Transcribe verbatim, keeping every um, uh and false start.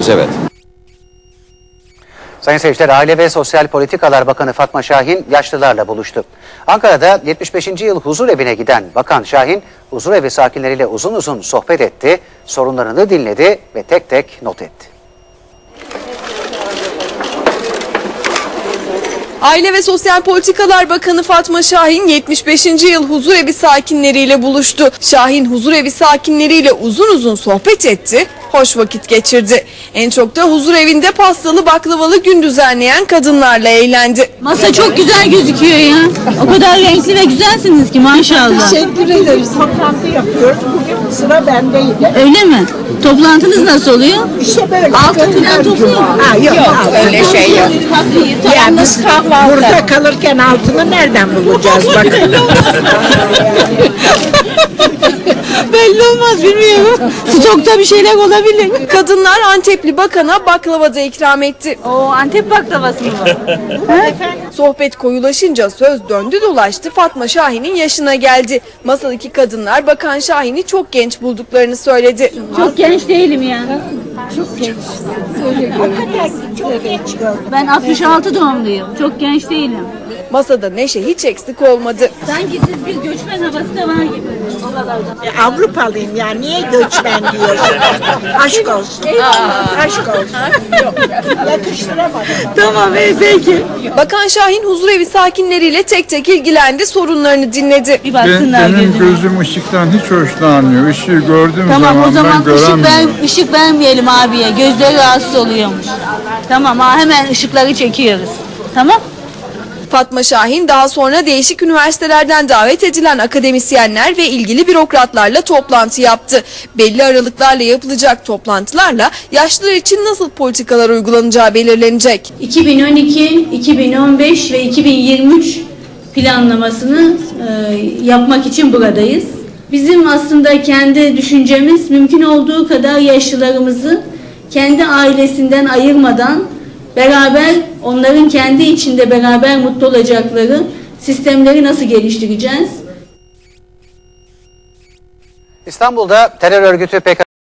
Evet. Sayın seyirciler, Aile ve Sosyal Politikalar Bakanı Fatma Şahin yaşlılarla buluştu. Ankara'da yetmiş beşinci yıl huzur evine giden Bakan Şahin, huzur evi sakinleriyle uzun uzun sohbet etti, sorunlarını dinledi ve tek tek not etti. Aile ve Sosyal Politikalar Bakanı Fatma Şahin yetmiş beşinci yıl huzurevi sakinleriyle buluştu. Şahin huzurevi sakinleriyle uzun uzun sohbet etti, hoş vakit geçirdi. En çok da huzurevinde pastalı baklavalı gün düzenleyen kadınlarla eğlendi. Masa çok güzel gözüküyor ya. O kadar renkli ve güzelsiniz ki maşallah. Teşekkür ederiz. Toplantı yapıyoruz. Bugün sıra bendeydi. Öyle mi? Toplantınız nasıl oluyor? İşte böyle. Altın falan topluyor mu? Ha, yok, yok öyle şey yok. Ya biz burada kalırken altını nereden bulacağız bakın. Belli olmaz, bilmiyorum. Stokta bir şeyler olabilir. Kadınlar Antepli bakana baklava da ikram etti. O Antep baklavası mı? Sohbet koyulaşınca söz döndü dolaştı, Fatma Şahin'in yaşına geldi. Masadaki kadınlar Bakan Şahin'i çok genç bulduklarını söyledi. Çok genç değilim ya. Çok genç. Çok genç gördüm. Ben altmış altı doğumluyum. Çok genç değilim. Masada neşe hiç eksik olmadı. Sanki siz bir göçmen havası da var gibi. E, Avrupalıyım ya. Niye göçmen diyorsun? Aşk olsun. Aşk olsun. Yakıştıramadım. Tamam, peki. Bakan Şahin huzurevi sakinleriyle tek tek ilgilendi, sorunlarını dinledi. Bir Ben, baksınlar benim gözüme. gözüm ışıktan hiç hoşlanmıyor. Işığı gördüğüm Tamam, zaman, o zaman ben ışık, göremiyorum. ver, ışık vermeyelim abiye. Gözleri rahatsız oluyormuş. Tamam, ha, hemen ışıkları çekiyoruz. Tamam. Fatma Şahin daha sonra değişik üniversitelerden davet edilen akademisyenler ve ilgili bürokratlarla toplantı yaptı. Belli aralıklarla yapılacak toplantılarla yaşlılar için nasıl politikalar uygulanacağı belirlenecek. iki bin on iki, iki bin on beş ve iki bin yirmi üç planlamasını e, yapmak için buradayız. Bizim aslında kendi düşüncemiz mümkün olduğu kadar yaşlılarımızı kendi ailesinden ayırmadan beraber, onların kendi içinde beraber mutlu olacakları sistemleri nasıl geliştireceğiz? İstanbul'da terör örgütü P K